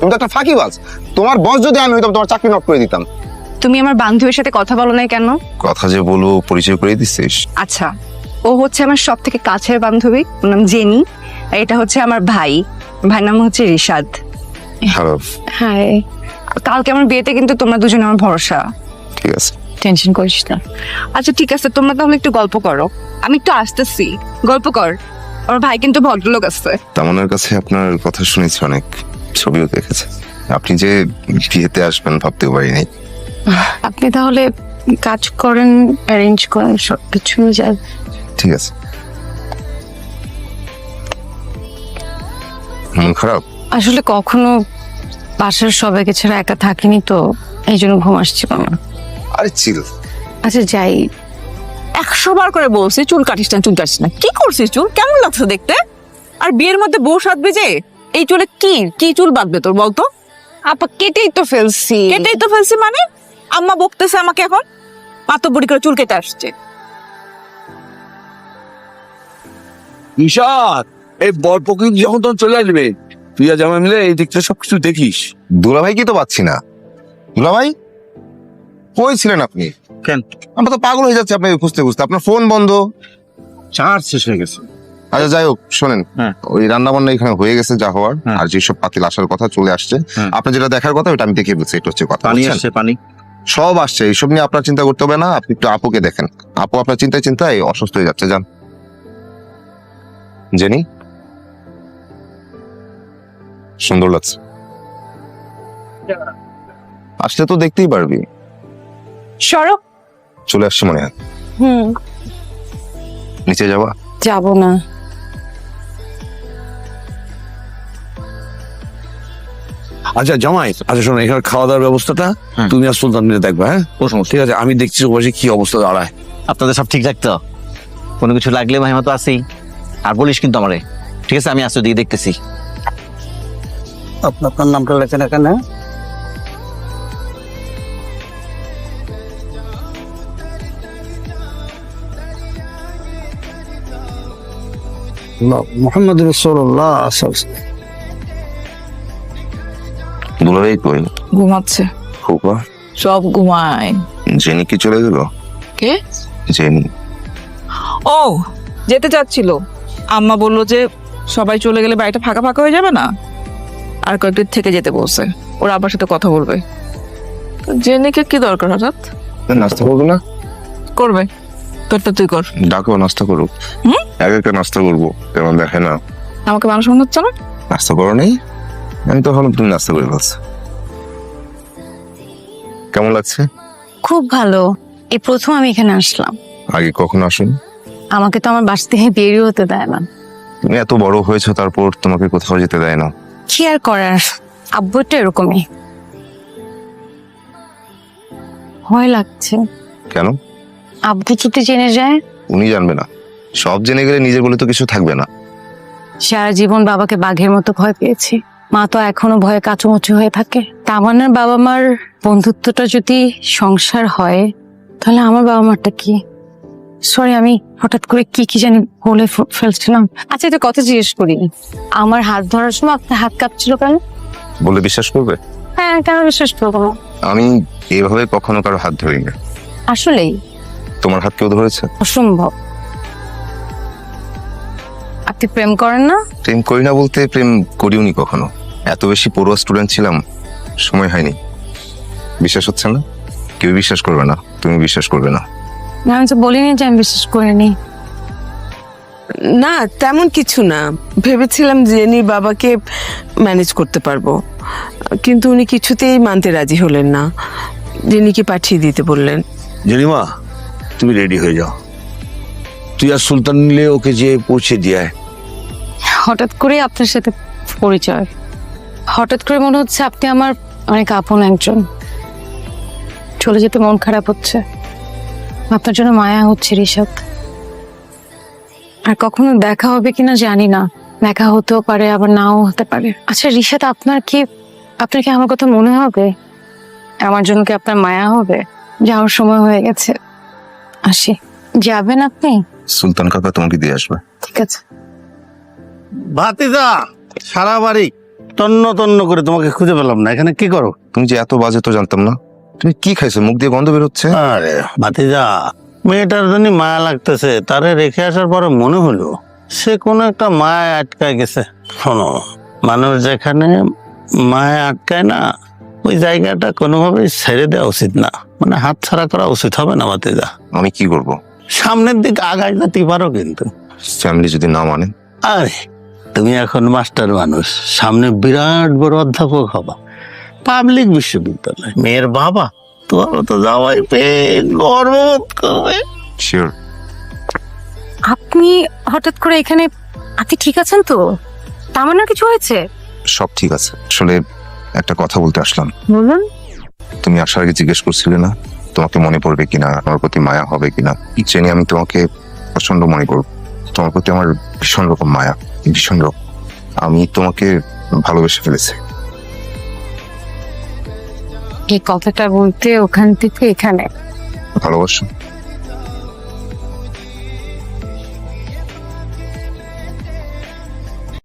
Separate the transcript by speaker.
Speaker 1: তুমি তো একটা ফাঁকিবাজ। তোমার বস যদি আমি হইতাম তোমার চাকরি নট করে দিতাম।
Speaker 2: তুমি আমার বান্ধবীর সাথে কথা বলো না কেন?
Speaker 1: কথা যে বলবো পরিচয় করে দিচ্ছিস।
Speaker 2: আচ্ছা, ও হচ্ছে আমার সব থেকে কাছের বান্ধবী, ওর নাম জেনি। আর এটা হচ্ছে আমার ভাই, ভাইয়ের নাম হচ্ছে রিশাদ।
Speaker 1: হ্যালো।
Speaker 2: হাই। কালকে আমার বিয়েতে কিন্তু তোমরা দুজনে আমার ভরসা।
Speaker 1: ঠিক আছে,
Speaker 2: টেনশন করিস না। আচ্ছা ঠিক আছে, তোমরা তাহলে একটু গল্প করো, আমি একটু আসতেছি। গল্প কর, আমার ভাই কিন্তু ভদ্রলোক আছে।
Speaker 1: তামনের কাছে আপনার কথা শুনেছি, অনেক ছবিও দেখেছে। আপনি যে বিয়েতে আসবেন ভাবতেও পারিনি।
Speaker 2: আপনি তাহলে কাজ করেন, অ্যারেঞ্জ করেন, সবকিছু যায়।
Speaker 1: ঠিক আছে। মন খারাপ?
Speaker 2: আসলে কখনো বাসার সবাইকে ছাড়া একা থাকিনি তো, এই জন্য ঘুম আসছিল না।
Speaker 1: আরে চিল।
Speaker 2: আচ্ছা যাই।
Speaker 3: 100 বার করে বলছি চুল কাটিস না, চুল কাটিস না। কি করছিস? চুল কেমন লাগছে দেখতে? আর বিয়ের মধ্যে বউ সাজবে যে, এই চুলে কি কি চুল বাঁধবে তোর বলতো?
Speaker 2: আপা কেটেই তো ফেলছি।
Speaker 3: কেটেই তো ফেলছি মানে? আম্মা বকতেছে আমাকে এখন, পাতবুড়ি করে চুল কেটে আসছে।
Speaker 4: ঈশাদ, এই বর প্রকৃতি যখন তখন চলে আসবে, তুই আর জামাই মিলে এই দিকটা সবকিছু দেখিস।
Speaker 1: দুলাভাই কি তো পাচ্ছি না। দুলাভাই কই ছিলেন আপনি?
Speaker 5: কেন?
Speaker 1: আমরা তো পাগল হয়ে যাচ্ছে আপনাকে খুঁজতে খুঁজতে। আপনার ফোন বন্ধ।
Speaker 5: চার্জ শেষ হয়ে গেছে।
Speaker 1: আচ্ছা যাই হোক, শোনেন,
Speaker 5: হ্যাঁ।
Speaker 1: ওই রান্না বান্না এখানে হয়ে গেছে যা হওয়ার,
Speaker 5: হ্যাঁ।
Speaker 1: আর যেসব পাতিল আসার কথা চলে আসছে।
Speaker 5: হ্যাঁ।
Speaker 1: আপনার যেটা দেখার কথা ওটা আমি দেখে বলছি, এটা হচ্ছে কথা।
Speaker 5: পানি
Speaker 1: বুঝছেন?
Speaker 5: আসছে, পানি।
Speaker 1: সব আসছে, এইসব নিয়ে আপনার চিন্তা করতে হবে না। আপনি একটু আপুকে দেখেন, আপু আপনার চিন্তায় চিন্তায় অসুস্থ হয়ে যাচ্ছে। যান। জেনি, সুন্দর লাগছে। আসলে তো দেখতেই পারবি।
Speaker 2: সরো।
Speaker 1: চলে আসছে মনে হয়। নিচে যাবা?
Speaker 2: যাব না।
Speaker 4: আচ্ছা জামাই, আচ্ছা শোনো, এখানে খাওয়া দাওয়ার ব্যবস্থাটা
Speaker 5: হ্যাঁ।
Speaker 4: তুমি আর সুলতান মিলে দেখবা। হ্যাঁ
Speaker 5: কোনো সমস্যা
Speaker 4: ঠিক আছে, আমি দেখছি বসে কি অবস্থা দাঁড়ায়।
Speaker 5: আপনাদের সব ঠিকঠাক তো? কোনো কিছু লাগলে মাহিমা তো আছেই। আর বলিস কিন্তু আমারে, ঠিক আছে? আমি আসতে দিকে দেখতেছি।
Speaker 6: আপনার নামটা লেখেন এখানে। মোহাম্মদ রসুল্লাহ।
Speaker 1: দুলাভাই কই?
Speaker 3: ঘুমাচ্ছে।
Speaker 1: খোকা,
Speaker 3: সব ঘুমায়।
Speaker 1: জেনি কি চলে গেল?
Speaker 3: কে?
Speaker 1: জেনি।
Speaker 3: ও যেতে চাচ্ছিল, আম্মা বললো যে সবাই চলে গেলে বাড়িটা ফাঁকা ফাঁকা হয়ে যাবে না, আর কয়েকদিন থেকে যেতে বলছে। ওরা আবার সাথে কথা বলবে। জেনিকে কি দরকার হঠাৎ?
Speaker 1: নাস্তা করবো না?
Speaker 3: করবে, তোরটা তুই কর।
Speaker 1: ডাকো, নাস্তা করো। এক একটা নাস্তা করবো, কেমন দেখে না?
Speaker 3: আমাকে মানুষ মনে হচ্ছে না।
Speaker 1: নাস্তা করো নেই? আমি তো ভাবলাম তুমি নাস্তা করে ফেলছো। কেমন লাগছে?
Speaker 2: খুব ভালো। এই প্রথম আমি এখানে আসলাম।
Speaker 1: আগে কখনো আসুন?
Speaker 2: আমাকে তো আমার বাসা থেকে বেরিয়ে হতে দেয় না।
Speaker 1: তুমি এত বড় হয়েছো, তারপর তোমাকে কোথাও যেতে দেয় না।
Speaker 2: কি আর করার, আব্বু তো এরকমই। ভয় লাগছে।
Speaker 1: কেন?
Speaker 2: আব্বু যদি জেনে যায়?
Speaker 1: উনি জানবে না। সব জেনে গেলে নিজের বলে তো কিছু থাকবে না।
Speaker 2: সারা জীবন বাবাকে বাঘের মতো ভয় পেয়েছি, মা তো এখনো ভয়ে কাচুমুচু হয়ে থাকে। তামান্নার বাবা মার বন্ধুত্বটা যদি সংসার হয়, তাহলে আমার বাবা মারটা কি? সরি, আমি হঠাৎ করে কি কি জানি বলে ফেলছিলাম। আচ্ছা এটা কথা জিজ্ঞেস করি, আমার হাত ধরার সময় আপনার হাত কাঁপছিল কেন?
Speaker 1: বলে বিশ্বাস করবে?
Speaker 2: হ্যাঁ, কেন বিশ্বাস করবো না?
Speaker 1: আমি এইভাবে কখনো কারো হাত ধরি না।
Speaker 2: আসলেই
Speaker 1: তোমার হাত কেউ ধরেছে?
Speaker 2: অসম্ভব। আপনি প্রেম করেন না?
Speaker 1: প্রেম করি না বলতে, প্রেম করিওনি কখনো। এত বেশি পড়ুয়া স্টুডেন্ট ছিলাম, সময় হয়নি। বিশ্বাস হচ্ছে না? কেউ বিশ্বাস করবে না, তুমি বিশ্বাস করবে না।
Speaker 2: না, আমি তো বলিনি যে আমি বিশ্বাস করিনি।
Speaker 7: না তেমন কিছু না, ভেবেছিলাম জেনি বাবাকে ম্যানেজ করতে পারবো, কিন্তু উনি কিছুতেই মানতে রাজি হলেন না। জেনিকে পাঠিয়ে দিতে বললেন।
Speaker 4: জেনিমা, তুমি রেডি হয়ে যাও, তুই আর সুলতান মিলে ওকে যে পৌঁছে দিয়ে।
Speaker 2: হঠাৎ করে আপনার সাথে পরিচয়, হঠাৎ করে মনে হচ্ছে আপনি আমার অনেক আপন একজন। চলে যেতে মন খারাপ হচ্ছে, আপনার জন্য মায়া হচ্ছে ঋষাদ। আর কখনো দেখা হবে কিনা জানি না, দেখা হতেও পারে আবার নাও হতে পারে। আচ্ছা ঋষাদ, আপনার কি আমার কথা মনে হবে? আমার জন্য কি আপনার মায়া হবে? যাওয়ার সময় হয়ে গেছে, আসি। যাবেন আপনি?
Speaker 1: সুলতান কাকা তোমাকে দিয়ে আসবে।
Speaker 2: ঠিক আছে।
Speaker 6: ভাতিজা, সারা বাড়ি তন্ন তন্ন করে তোমাকে খুঁজে পেলাম না, এখানে কি করো?
Speaker 1: তুমি যে এত বাজে তো জানতাম না। তুমি কি খাইছো? মুখ দিয়ে গন্ধ বেরোচ্ছে।
Speaker 6: আরে ভাতিজা, মেয়েটার জন্য মায়া লাগতেছে, তারে রেখে আসার পরে মনে হলো সে কোনো একটা মায়া আটকায় গেছে। শোনো, মানুষ যেখানে মায়া আটকায় না, ওই জায়গাটা কোনোভাবেই ছেড়ে দেওয়া উচিত না, মানে হাত ছাড়া করা উচিত হবে না ভাতিজা।
Speaker 1: আমি কি করব?
Speaker 6: সামনের দিকে আগায় যেতে পারো কিন্তু।
Speaker 1: ফ্যামিলি যদি না মানে?
Speaker 6: আরে তুমি এখন মাস্টার মানুষ, সামনে বিরাট বড় অধ্যাপক হবা, পাবলিক বিশ্ববিদ্যালয়, মেয়ের বাবা, তোমার তো যাওয়াই পেয়ে গর্ববোধ করবে।
Speaker 1: শিওর।
Speaker 2: আপনি হঠাৎ করে এখানে, আপনি ঠিক আছেন তো? তামান্নার কিছু হয়েছে?
Speaker 1: সব ঠিক আছে। আসলে একটা কথা বলতে আসলাম।
Speaker 2: বলুন।
Speaker 1: তুমি আসার আগে জিজ্ঞেস করছিলে না তোমাকে মনে পড়বে কিনা, আমার প্রতি মায়া হবে কিনা। জেনে আমি তোমাকে প্রচন্ড মনে করব। তোমার প্রতি আমার ভীষণ রকম মায়া, ভীষণ রকম। আমি তোমাকে ভালোবেসে ফেলেছি।
Speaker 2: এই কথাটা বলতে ওখান থেকে এখানে
Speaker 1: ভালোবাসো?